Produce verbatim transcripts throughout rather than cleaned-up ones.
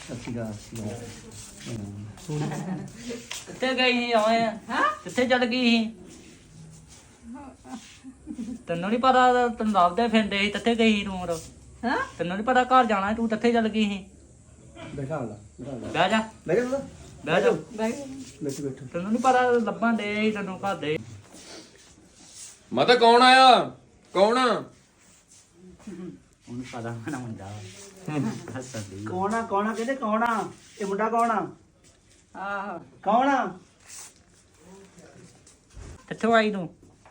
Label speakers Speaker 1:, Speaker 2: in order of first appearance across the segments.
Speaker 1: ਕਿੱਥੇ ਗਈ ਸੀ ਆਏ ਹਾਂ ਕਿੱਥੇ ਚੱਲ ਗਈ ਸੀ ਤੈਨੂੰ ਨਹੀਂ ਪਤਾ ਤੈਨੂੰ ਲੱਭਦੇ ਫਿਰਦੇ ਸੀ ਕਿੱਥੇ ਗਈ ਸੀ ਤੂੰ ਹੋਰ
Speaker 2: ਹਾਂ
Speaker 1: ਤੈਨੂੰ ਨਹੀਂ ਪਤਾ ਘਰ ਜਾਣਾ ਤੂੰ ਕਿੱਥੇ ਚੱਲ ਗਈ ਸੀ
Speaker 3: ਬੈਠਾ ਲਾ
Speaker 1: ਬਹਿ ਜਾ
Speaker 3: ਬੈਠ ਜਾ
Speaker 1: ਬਹਿ ਜਾ
Speaker 3: ਬੈਠ ਬੈਠ
Speaker 1: ਤੈਨੂੰ ਨਹੀਂ ਪਤਾ ਲੱਭਣ ਦੇ ਸੀ ਤੈਨੂੰ ਘਰ ਦੇ
Speaker 4: ਮਾਤਾ ਕੌਣ ਆਇਆ ਕੌਣ ਆ
Speaker 1: ਉਹਨੂੰ ਪਤਾ ਨਾ ਹੁੰਦਾ ਹੱਸਦੀ
Speaker 3: ਕੌਣ ਆ ਕੌਣ ਆ ਕਹਿੰਦੇ ਕੌਣ ਆ ਇਹ ਮੁੰਡਾ ਕੌਣ ਆ
Speaker 2: ਆਹੋ
Speaker 3: ਕੌਣ ਆ
Speaker 1: ਕਿੱਥੋਂ ਆਈ ਤੂੰ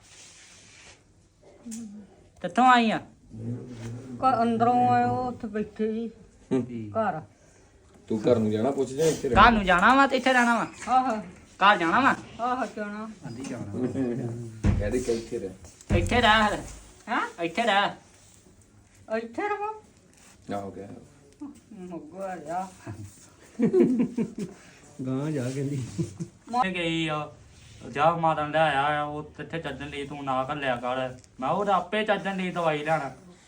Speaker 1: ਕਿੱਥੋਂ ਆਈ ਆ
Speaker 2: ਘਰ ਅੰਦਰੋਂ ਆਇਓ ਉੱਥੇ ਬੈਠੇ ਜੀ ਘਰ
Speaker 4: ਤੂੰ ਘਰ ਨੂੰ ਜਾਣਾ ਪੁੱਛ ਜਾ ਇੱਥੇ
Speaker 1: ਘਰ ਨੂੰ ਜਾਣਾ ਵਾ ਤੇ ਇੱਥੇ ਰਹਿਣਾ ਵਾ
Speaker 2: ਆਹੋ
Speaker 1: ਘਰ ਜਾਣਾ ਵਾ
Speaker 2: ਆਹੋ ਕਿਉਂ
Speaker 1: ਆਂਦੀ ਜਾਣਾ
Speaker 4: ਕਹਦੇ ਕਿ ਇੱਥੇ ਰਹਿ
Speaker 1: ਇੱਥੇ ਰਹਿ
Speaker 2: ਹਾਂ
Speaker 1: ਇੱਥੇ ਰਹਿ
Speaker 2: ਇੱਥੇ ਰਹੋ
Speaker 4: ਆਹੋ ਗਿਆ
Speaker 2: ਮੁੱਗਾ ਆ
Speaker 3: ਗਾਂ ਜਾ ਕਹਿੰਦੀ
Speaker 1: ਗਈ ਆ ਜਾ ਮਾਰਨ ਲੈ ਆਇਆ ਉਹ ਇੱਥੇ ਚੱਜਣ ਲਈ ਤੂੰ ਨਾ ਘੱਲਿਆ ਕਰ ਮੈਂ ਉਹ ਆਪੇ ਚੱਜਣ ਲਈ ਦਵਾਈ ਲੈਣਾ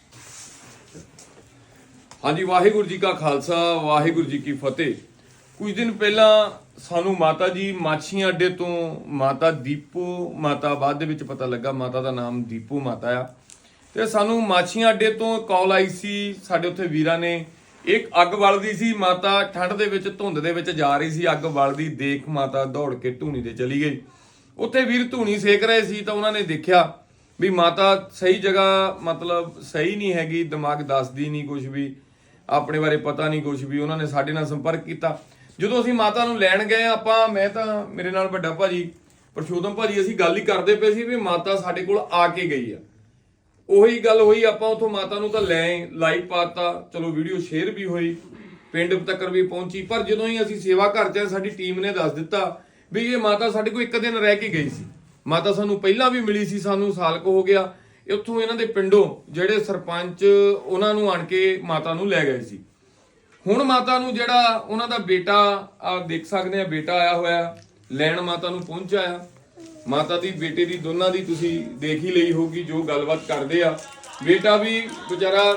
Speaker 4: ਹਾਂਜੀ ਵਾਹਿਗੁਰੂ ਜੀ ਕਾ ਖਾਲਸਾ ਵਾਹਿਗੁਰੂ ਜੀ ਕੀ ਫਤਿਹ। ਕੁਝ ਦਿਨ ਪਹਿਲਾਂ ਸਾਨੂੰ ਮਾਤਾ ਜੀ ਮਾਛੀਆਂ ਅੱਡੇ ਤੋਂ ਮਾਤਾ ਦੀਪੂ ਮਾਤਾ ਬਾਅਦ ਦੇ ਵਿੱਚ ਪਤਾ ਲੱਗਾ ਮਾਤਾ ਦਾ ਨਾਮ ਦੀਪੂ ਮਾਤਾ ਆ ਤੇ ਸਾਨੂੰ ਮਾਛੀਆਂ ਅੱਡੇ ਤੋਂ ਕਾਲ ਆਈ ਸੀ ਸਾਡੇ ਉੱਥੇ ਵੀਰਾਂ ਨੇ ਇੱਕ ਅੱਗ ਬਲਦੀ ਸੀ ਮਾਤਾ ਠੰਡ ਦੇ ਵਿੱਚ ਧੁੰਦ ਦੇ ਵਿੱਚ ਜਾ ਰਹੀ ਸੀ ਅੱਗ ਬਲਦੀ ਦੇਖ ਮਾਤਾ ਦੌੜ ਕੇ ਧੂਣੀ ਤੇ ਚਲੀ ਗਈ। ਉੱਥੇ ਵੀਰ ਧੂਣੀ ਸੇਕ ਰਹੇ ਸੀ ਤਾਂ ਉਹਨਾਂ ਨੇ ਦੇਖਿਆ ਵੀ ਮਾਤਾ ਸਹੀ ਜਗ੍ਹਾ ਮਤਲਬ ਸਹੀ ਨਹੀਂ ਹੈਗੀ ਦਿਮਾਗ ਦੱਸਦੀ ਨਹੀਂ ਕੁਝ ਵੀ ਆਪਣੇ ਬਾਰੇ ਪਤਾ ਨਹੀਂ ਕੁਝ ਵੀ। ਉਹਨਾਂ ਨੇ ਸਾਡੇ ਨਾਲ ਸੰਪਰਕ ਕੀਤਾ ਜਦੋਂ ਅਸੀਂ ਮਾਤਾ ਨੂੰ ਲੈਣ ਗਏ ਆਪਾਂ ਮੈਂ ਤਾਂ ਮੇਰੇ ਨਾਲ ਵੱਡਾ ਭਾਜੀ ਪਰਸ਼ੋਤਮ ਭਾਜੀ ਅਸੀਂ ਗੱਲ ਹੀ ਕਰਦੇ ਪਏ ਸੀ ਵੀ ਮਾਤਾ ਸਾਡੇ ਕੋਲ ਆ ਕੇ ਗਈ ਆ। ਉਹੀ ਗੱਲ ਹੋਈ ਆਪਾਂ ਉਥੋਂ ਮਾਤਾ ਨੂੰ ਤਾਂ ਲੈ ਲਾਈਵ ਪਾਤਾ ਚਲੋ ਵੀਡੀਓ ਸ਼ੇਅਰ ਵੀ ਹੋਈ ਪਿੰਡ ਤੱਕ ਵੀ ਪਹੁੰਚੀ ਪਰ ਜਦੋਂ ਹੀ ਅਸੀਂ ਸੇਵਾ ਘਰ ਚ ਸਾਡੀ ਟੀਮ ਨੇ ਦੱਸ ਦਿੱਤਾ ਵੀ ਇਹ ਮਾਤਾ ਸਾਡੇ ਕੋਲ ਇੱਕ ਦਿਨ ਰਹਿ ਕੇ ਗਈ ਸੀ। ਮਾਤਾ ਸਾਨੂੰ ਪਹਿਲਾਂ ਵੀ ਮਿਲੀ ਸੀ ਸਾਨੂੰ ਸਾਲ ਕੁ ਹੋ ਗਿਆ ਉੱਥੋਂ ਇਹਨਾਂ ਦੇ ਪਿੰਡੋਂ ਜਿਹੜੇ ਸਰਪੰਚ ਉਹਨਾਂ ਨੂੰ ਆਣ ਕੇ ਮਾਤਾ ਨੂੰ ਲੈ ਗਏ ਸੀ। ਹੁਣ ਮਾਤਾ ਨੂੰ ਜਿਹੜਾ ਉਹਨਾਂ ਦਾ ਬੇਟਾ ਆ ਦੇਖ ਸਕਦੇ ਆ ਬੇਟਾ ਆਇਆ ਹੋਇਆ ਲੈਣ ਮਾਤਾ ਨੂੰ ਪਹੁੰਚਿਆ ਆ। ਮਾਤਾ ਦੀ ਬੇਟੇ ਦੀ ਦੋਨਾਂ ਦੀ ਤੁਸੀਂ ਦੇਖ ਹੀ ਲਈ ਹੋਗੀ ਜੋ ਗੱਲਬਾਤ ਕਰਦੇ ਆ। ਬੇਟਾ ਵੀ ਵਿਚਾਰਾ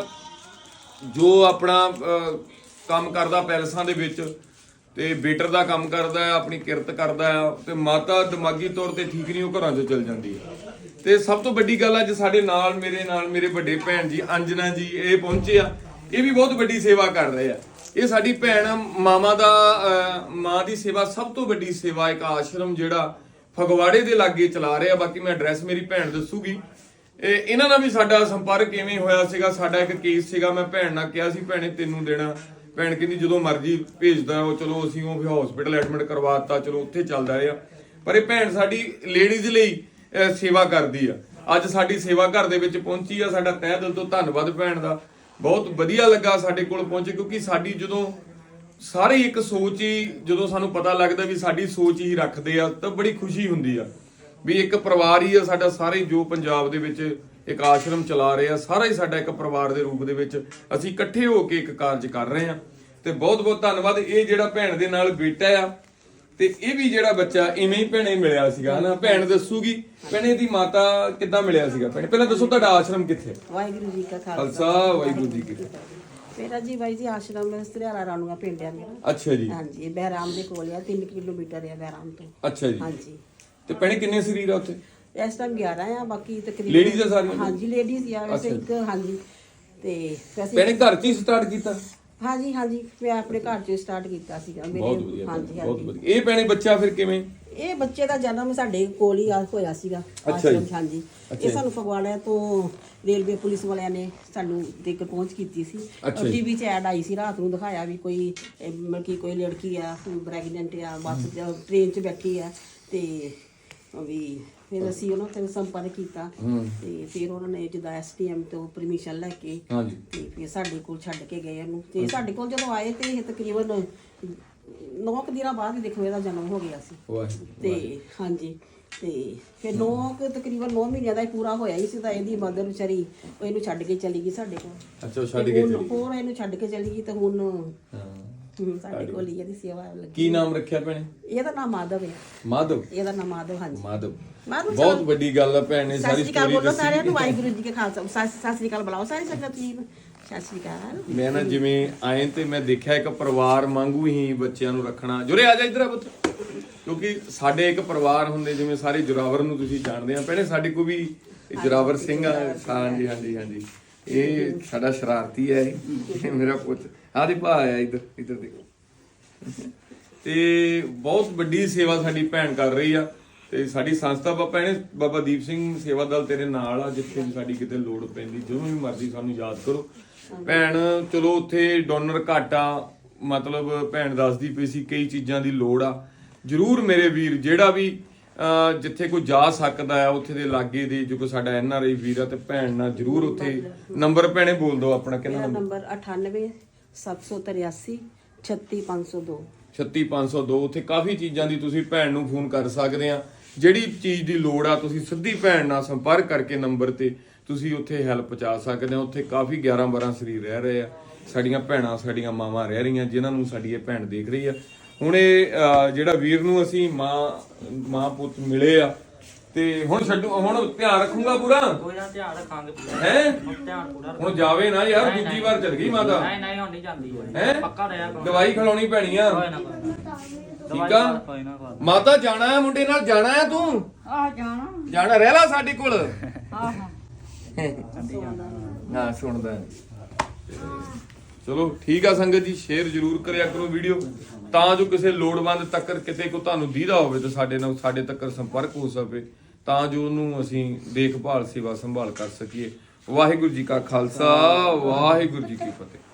Speaker 4: ਜੋ ਆਪਣਾ ਕੰਮ ਕਰਦਾ ਪੈਲਸਾਂ ਦੇ ਵਿੱਚ ਤੇ ਬੇਟਰ ਦਾ ਕੰਮ ਕਰਦਾ ਆ ਆਪਣੀ ਕਿਰਤ ਕਰਦਾ ਆ ਤੇ ਮਾਤਾ ਦਿਮਾਗੀ ਤੌਰ ਤੇ ਠੀਕ ਨਹੀਂ ਉਹ ਘਰਾਂ 'ਚ ਚਲ ਜਾਂਦੀ ਆ। ਤੇ ਸਭ ਤੋਂ ਵੱਡੀ ਗੱਲ ਅੱਜ ਸਾਡੇ ਨਾਲ ਮੇਰੇ ਨਾਲ ਮੇਰੇ ਵੱਡੇ ਭੈਣ ਜੀ ਅੰਜਨਾ ਜੀ ਇਹ ਪਹੁੰਚੇ ਆ। ਇਹ ਵੀ ਬਹੁਤ ਵੱਡੀ ਸੇਵਾ ਕਰ ਰਹੇ ਆ। ਇਹ ਸਾਡੀ ਭੈਣ ਮਾਮਾ ਦਾ ਮਾਂ ਦੀ ਸੇਵਾ ਸਭ ਤੋਂ ਵੱਡੀ ਸੇਵਾ ਇੱਕ ਆਸ਼ਰਮ ਜਿਹੜਾ ਫਗਵਾੜੇ ਦੇ ਲਾਗੇ ਚਲਾ ਰਹੇ ਆ। ਬਾਕੀ ਮੈਂ ਐਡਰੈਸ ਮੇਰੀ ਭੈਣ ਦੱਸੂਗੀ। ਇਹਨਾਂ ਨਾਲ ਵੀ ਸਾਡਾ ਸੰਪਰਕ ਕਿਵੇਂ ਹੋਇਆ ਸੀਗਾ ਸਾਡਾ ਇੱਕ ਕੇਸ ਸੀਗਾ ਮੈਂ ਭੈਣ ਨਾਲ ਕਿਹਾ ਸੀ ਭੈਣੇ ਤੈਨੂੰ ਦੇਣਾ ਭੈਣ ਕਹਿੰਦੀ ਜਦੋਂ ਮਰਜ਼ੀ ਭੇਜਦਾ ਉਹ ਚਲੋ ਅਸੀਂ ਉਹ ਹਸਪੀਟਲ ਐਡਮਿਟ ਕਰਵਾਤਾ ਚਲੋ ਉੱਥੇ ਚੱਲਦਾ ਰਿਹਾ ਪਰ ਇਹ ਭੈਣ ਸਾਡੀ ਲੇਡੀਜ਼ ਲਈ ਸੇਵਾ ਕਰਦੀ ਆ। ਅੱਜ ਸਾਡੀ ਸੇਵਾ ਘਰ ਦੇ ਵਿੱਚ ਪਹੁੰਚੀ ਆ ਸਾਡਾ ਤਹਿ ਦਿਲ ਤੋਂ ਧੰਨਵਾਦ ਭੈਣ ਦਾ ਬਹੁਤ ਵਧੀਆ ਲੱਗਾ ਸਾਡੇ ਕੋਲ ਪਹੁੰਚੇ ਕਿਉਂਕਿ ਸਾਡੀ ਜਦੋਂ ਸਾਰੇ ਇੱਕ ਸੋਚ ਹੀ ਜਦੋਂ ਸਾਨੂੰ ਪਤਾ ਲੱਗਦਾ ਵੀ ਸਾਡੀ ਸੋਚ ਹੀ ਰੱਖਦੇ ਆ ਤਾਂ ਬੜੀ ਖੁਸ਼ੀ ਹੁੰਦੀ ਆ ਵੀ ਇੱਕ ਪਰਿਵਾਰ ਹੀ ਆ ਸਾਡਾ ਸਾਰੇ ਜੋ ਪੰਜਾਬ ਦੇ ਵਿੱਚ ਇੱਕ ਆਸ਼ਰਮ ਚਲਾ ਰਹੇ ਆ ਸਾਰਾ ਹੀ ਸਾਡਾ ਇੱਕ ਪਰਿਵਾਰ ਦੇ ਰੂਪ ਦੇ ਵਿੱਚ ਅਸੀਂ ਇਕੱਠੇ ਹੋ ਕੇ ਇੱਕ ਕਾਰਜ ਕਰ ਰਹੇ ਆ ਤੇ ਬਹੁਤ ਬਹੁਤ ਧੰਨਵਾਦ। ਇਹ ਜਿਹੜਾ ਭੈਣ ਦੇ ਨਾਲ ਬੇਟਾ ਆ ਤੇ ਇਹ ਵੀ ਜਿਹੜਾ ਬੱਚਾ ਇਵੇਂ ਹੀ ਭੈਣੇ ਮਿਲਿਆ ਸੀਗਾ ਹਨਾ ਭੈਣ ਦੱਸੂਗੀ ਭੈਣੇ ਦੀ ਮਾਤਾ ਕਿੱਦਾਂ ਮਿਲਿਆ ਸੀਗਾ ਭੈਣੇ ਪਹਿਲਾਂ ਦੱਸੋ ਤੁਹਾਡਾ ਆਸ਼ਰਮ ਕਿੱਥੇ?
Speaker 5: ਵਾਹਿਗੁਰੂ ਜੀ ਕਾ
Speaker 4: ਖਾਲਸਾ ਵਾਹਿਗੁਰੂ ਜੀ ਕੀ ਫਤਿਹ।
Speaker 5: ਮੇਰਾ ਜੀ ਬਾਈ ਜੀ ਆਸ਼ਰਮ ਸਤਰਿਆਲਾ ਰਾਣੂਆ ਪਿੰਡ ਆ ਮੇਰਾ।
Speaker 4: ਅੱਛਾ ਜੀ
Speaker 5: ਹਾਂਜੀ ਇਹ ਬਹਿਰਾਮ ਦੇ ਕੋਲ ਆ ਤਿੰਨ ਕਿਲੋਮੀਟਰ ਆ ਬਹਿਰਾਮ ਤੋਂ।
Speaker 4: ਅੱਛਾ ਜੀ
Speaker 5: ਹਾਂਜੀ
Speaker 4: ਤੇ ਭੈਣੇ ਕਿੰਨੇ ਸਰੀਰ ਆ ਉੱਥੇ?
Speaker 5: ਇਸ ਟਾਈਮ ਗਿਆਰਾਂ ਆ ਬਾਕੀ ਤਕਰੀਬਨ
Speaker 4: ਲੇਡੀਜ਼ ਆ ਸਾਰੀਆਂ?
Speaker 5: ਹਾਂਜੀ ਲੇਡੀਜ਼ ਆ ਵੈਸੇ ਇੱਕ ਹਾਂਜੀ ਤੇ ਵੈਸੇ
Speaker 4: ਭੈਣੇ ਘਰ 'ਚ ਹੀ ਸਟਾਰਟ ਕੀਤਾ?
Speaker 5: ਹਾਂਜੀ ਹਾਂਜੀ ਮੈਂ ਆਪਣੇ ਘਰ 'ਚ ਸਟਾਰਟ ਕੀਤਾ ਸੀਗਾ
Speaker 4: ਬਹੁਤ ਵਧੀਆ
Speaker 5: ਹਾਂਜੀ
Speaker 4: ਬਹੁਤ
Speaker 5: ਹਾਂਜੀ
Speaker 4: ਵਧੀਆ। ਇਹ ਭੈਣੇ ਬੱਚਾ ਫਿਰ ਕਿਵੇਂ?
Speaker 5: ਇਹ ਬੱਚੇ ਦਾ ਜਨਮ ਸਾਡੇ ਕੋਲ ਹੀ ਆ- ਹੋਇਆ ਸੀਗਾ
Speaker 4: ਅੱਛਾ ਜੀ।
Speaker 5: ਆਸ਼ਰਮ 'ਚ, ਹਾਂਜੀ ਇਹ ਸਾਨੂੰ ਫਗਵਾੜਾ ਤੋਂ ਰੇਲਵੇ ਪੁਲਿਸ ਵਾਲਿਆਂ ਨੇ ਸਾਨੂੰ ਦੇਖ ਪਹੁੰਚ ਕੀਤੀ ਸੀ
Speaker 4: ਅੱਛਾ ਜੀ।
Speaker 5: ਟੀਵੀ 'ਚ ਐਡ ਆਈ ਸੀ ਰਾਤ ਨੂੰ ਦਿਖਾਇਆ ਵੀ ਕੋਈ ਇਹ ਮਤਲਬ ਕਿ ਕੋਈ ਲੜਕੀ ਆ ਪ੍ਰੈਗਨੈਂਟ ਆ ਬੱਸ 'ਚ ਟ੍ਰੇਨ 'ਚ ਬੈਠੀ ਆ ਤੇ ਵੀ ਫਿਰ ਅਸੀਂ ਉਹਨਾਂ ਤੇ ਸੰਪਰਕ ਕੀਤਾ ਤੇ ਫਿਰ ਉਹਨਾਂ ਨੇ ਜਿੱਦਾਂ ਐਸਟੀਐਮ ਤੋਂ ਪਰਮਿਸ਼ਨ ਲੈ ਕੇ
Speaker 4: ਹਾਂਜੀ
Speaker 5: ਤੇ ਫਿਰ ਸਾਡੇ ਕੋਲ ਛੱਡ ਕੇ ਗਏ ਇਹਨੂੰ ਤੇ ਸਾਡੇ ਕੋਲ ਜਦੋਂ ਆਏ ਤੇ ਇਹ ਤਕਰੀਬਨ ਨੌ ਕੁ ਦਿਨਾਂ ਬਾਅਦ ਹੀ ਦੇਖੋ ਇਹਦਾ ਜਨਮ ਹੋ ਗਿਆ ਸੀ
Speaker 4: ਵਾਹਿਗੁਰੂ
Speaker 5: ਤੇ ਹਾਂਜੀ ਤੇ ਫਿਰ ਨੌ ਕੁ ਤਕਰੀਬਨ ਨੌ ਮਹੀਨਿਆਂ ਦਾ ਹੀ ਪੂਰਾ ਹੋਇਆ ਹੀ ਸੀ ਤਾਂ ਇਹਦੀ ਮਦਰ ਵਿਚਾਰੀ ਉਹ ਇਹਨੂੰ ਛੱਡ ਕੇ ਚਲੀ ਗਈ ਸਾਡੇ ਕੋਲ।
Speaker 4: ਅੱਛਾ ਉਹ ਛੱਡ
Speaker 5: ਤੇ
Speaker 4: ਕੇ
Speaker 5: ਹੁਣ
Speaker 4: ਚਲੀ
Speaker 5: ਹੋਰ ਇਹਨੂੰ ਛੱਡ ਕੇ ਚਲੀ ਗਈ ਤੇ ਹੁਣ
Speaker 4: ਹਾਂ
Speaker 5: ਹੁਣ ਸਾਡੇ ਕੋਲ ਹੀ ਇਹਦੀ ਸੇਵਾ ਲੱਗੀ।
Speaker 4: ਕੀ ਨਾਮ ਰੱਖਿਆ ਭੈਣੇ?
Speaker 5: ਇਹਦਾ ਨਾਮ ਮਾਧਵ ਹੈ।
Speaker 4: ਮਾਧਵ?
Speaker 5: ਇਹਦਾ ਨਾਮ ਮਾਧਵ ਹਾਂਜੀ
Speaker 4: ਮਾਧਵ
Speaker 5: ਮਾਧਵ
Speaker 4: ਬਹੁਤ ਵੱਡੀ ਗੱਲ ਆ ਭੈਣ ਨੇ
Speaker 5: ਸਤਿ
Speaker 4: ਸਾਰੀ
Speaker 5: ਸ਼੍ਰੀ ਅਕਾਲ
Speaker 4: ਸਟੋਰੀ
Speaker 5: ਬੋਲੋ
Speaker 4: ਦੱਸੀ।
Speaker 5: ਸਾਰਿਆਂ ਨੂੰ ਵਾਹਿਗੁਰੂ ਜੀ ਕੇ ਖਾਲਸਾ ਸਤਿ ਸਤਿ ਸ਼੍ਰੀ ਅਕਾਲ ਬੁਲਾਓ ਸਾਰੀ ਸੰਗਤ ਜੀ ਸਤਿ ਸ਼੍ਰੀ ਅਕਾਲ।
Speaker 4: ਮੈਂ ਨਾ ਜਿਵੇਂ ਆਏ ਤੇ ਮੈਂ ਦੇਖਿਆ ਇੱਕ ਪਰਿਵਾਰ ਵਾਂਗੂ ਹੀ ਬੱਚਿਆਂ ਨੂੰ ਰੱਖਣਾ। ਜੁਰੇ ਆ ਜਾ ਇੱਧਰ ਆ ਪੁੱਤ, ਕਿਉਂਕਿ ਸਾਡੇ ਇੱਕ ਪਰਿਵਾਰ ਹੁੰਦੇ ਜਿਵੇਂ ਸਾਰੇ ਜੁਰਾਵਰ ਨੂੰ ਤੁਸੀਂ ਜਾਣਦੇ ਆ। ਪਹਿਲੇ ਸਾਡੇ ਕੋ ਵੀ ਜੁਰਾਵਰ ਸਿੰਘ ਆ। ਹਾਂਜੀ ਹਾਂਜੀ ਹਾਂਜੀ, ਇਹ ਸਾਡਾ ਸ਼ਰਾਰਤੀ ਹੈ, ਇਹ ਮੇਰਾ ਪੁੱਤ। ਆਹ ਦੇ ਭਾ ਆਇਆ ਇੱਧਰ, ਇੱਧਰ ਦੇਖੋ। ਤੇ ਬਹੁਤ ਵੱਡੀ ਸੇਵਾ ਸਾਡੀ ਭੈਣ ਕਰ ਰਹੀ ਆ ਤੇ ਸਾਡੀ ਸੰਸਥਾ ਬਾਬਾ ਇਹਨੇ ਬਾਬਾ ਦੀਪ ਸਿੰਘ ਸੇਵਾ ਦਲ ਤੇਰੇ ਨਾਲ ਆ। ਜਿੱਥੇ ਵੀ ਸਾਡੀ ਕਿਤੇ ਲੋੜ ਪੈਂਦੀ ਜਦੋਂ ਵੀ ਮਰਜ਼ੀ ਸਾਨੂੰ ਯਾਦ ਕਰੋ। ਭੈਣ ਚਲੋ ਉੱਥੇ ਡੋਨਰ ਘੱਟ ਆ, ਮਤਲਬ ਭੈਣ ਦੱਸਦੀ ਪਈ ਸੀ ਕਈ ਚੀਜ਼ਾਂ ਦੀ ਲੋੜ ਆ। ਜਰੂਰ ਮੇਰੇ ਵੀਰ ਜਿਹੜਾ ਵੀ ਅਹ ਜਿੱਥੇ ਕੋਈ ਜਾ ਸਕਦਾ ਆ ਉੱਥੇ ਦੇ ਲਾਗੇ ਦੇ ਜੋ ਕੋਈ ਸਾਡਾ ਐਨ ਆਰ ਆਈ ਵੀਰ ਆ ਤੇ ਭੈਣ ਨਾਲ ਜਰੂਰ ਉੱਥੇ ਨੰਬਰ ਭੈਣੇ ਬੋਲ ਦਿਓ ਆਪਣਾ। ਕਿੰਨਾ
Speaker 5: ਮੇਰਾ ਨੰਬਰ ਅਠਾਨਵੇਂ ਸੱਤ ਸੌ ਤਰਿਆਸੀ ਛੱਤੀ ਪੰਜ ਸੌ ਦੋ
Speaker 4: ਛੱਤੀ ਪੰਜ ਸੌ ਦੋ। ਉੱਥੇ ਕਾਫੀ ਚੀਜ਼ਾਂ ਦੀ ਤੁਸੀਂ ਭੈਣ ਨੂੰ ਫੋਨ ਕਰ ਸਕਦੇ ਆ। ਜਿਹੜੀ ਚੀਜ਼ ਦੀ ਲੋੜ ਆ ਤੁਸੀਂ ਸਿੱਧੀ ਭੈਣ ਨਾਲ ਸੰਪਰਕ ਕਰਕੇ ਨੰਬਰ ਤੇ ਤੁਸੀਂ ਉੱਥੇ ਹੈਲਪ ਪਹੁੰਚਾ ਸਕਦੇ ਆ। ਉੱਥੇ ਕਾਫੀ ਗਿਆਰਾਂ ਬਾਰਾਂ ਸਰੀਰ ਰਹਿ ਰਹੇ ਆ, ਸਾਡੀਆਂ ਭੈਣਾਂ ਸਾਡੀਆਂ ਮਾਵਾਂ ਰਹਿ ਰਹੀਆਂ ਜਿਨ੍ਹਾਂ ਨੂੰ ਸਾਡੀ ਇਹ ਭੈਣ ਦੇਖ ਰਹੀ ਆ। ਹੁਣ ਇਹ ਜਿਹੜਾ ਵੀਰ ਨੂੰ ਅਸੀਂ ਮਾਂ ਮਾਂ ਪੁੱਤ ਮਿਲੇ ਆ ਤੇ ਹੁਣ ਛੱਡੂ, ਹੁਣ ਧਿਆਨ ਰੱਖੂਗਾ ਪੂਰਾ।
Speaker 1: ਕੋਈ ਨਾ ਧਿਆਨ ਰੱਖਾਂਗੇ ਪੂਰਾ।
Speaker 4: ਹੈ
Speaker 1: ਧਿਆਨ ਪੂਰਾ
Speaker 4: ਹੁਣ ਜਾਵੇ ਨਾ ਯਾਰ, ਦੂਜੀ ਵਾਰ ਚਲ ਗਈ ਮਾਤਾ।
Speaker 1: ਨਹੀਂ ਨਹੀਂ ਹੁਣ ਨਹੀਂ ਜਾਂਦੀ
Speaker 4: ਹੈ
Speaker 1: ਪੱਕਾ ਰਿਹਾ ਕਰੋ।
Speaker 4: ਦਵਾਈ ਖਿਲਾਉਣੀ ਪੈਣੀ ਆ।
Speaker 1: ਕੋਈ ਨਾ ਕੋਈ ਨਾ।
Speaker 4: ਠੀਕ ਆ
Speaker 1: ਕੋਈ ਨਾ ਕੋਈ
Speaker 4: ਮਾਤਾ, ਜਾਣਾ ਹੈ ਮੁੰਡੇ ਨਾਲ, ਜਾਣਾ ਹੈ ਤੂੰ,
Speaker 2: ਆ ਜਾਣਾ
Speaker 4: ਜਾਣਾ ਰਹਿ ਲਾ ਸਾਡੇ ਕੋਲ।
Speaker 2: ਆਹ
Speaker 4: ਹਾਂ ਸੁਣਦਾ ਹੈ। ਚਲੋ ਠੀਕ ਆ ਸੰਗਤ ਜੀ, ਸ਼ੇਅਰ ਜ਼ਰੂਰ ਕਰਿਆ ਕਰੋ ਵੀਡੀਓ ਤਾਂ ਜੋ ਕਿਸੇ ਲੋੜਵੰਦ ਤੱਕ ਕਿਤੇ ਕੋ ਤੁਹਾਨੂੰ ਦੀਦਾ ਹੋਵੇ ਤੇ ਸਾਡੇ ਨਾਲ ਸਾਡੇ ਤੱਕ ਸੰਪਰਕ ਹੋ ਸਕੇ ਤਾਂ ਜੋ ਉਹਨੂੰ ਅਸੀਂ ਦੇਖਭਾਲ ਸੇਵਾ ਸੰਭਾਲ ਕਰ ਸਕੀਏ। ਵਾਹਿਗੁਰੂ ਜੀ ਕਾ ਖਾਲਸਾ, ਵਾਹਿਗੁਰੂ ਜੀ ਕੀ ਫਤਿਹ।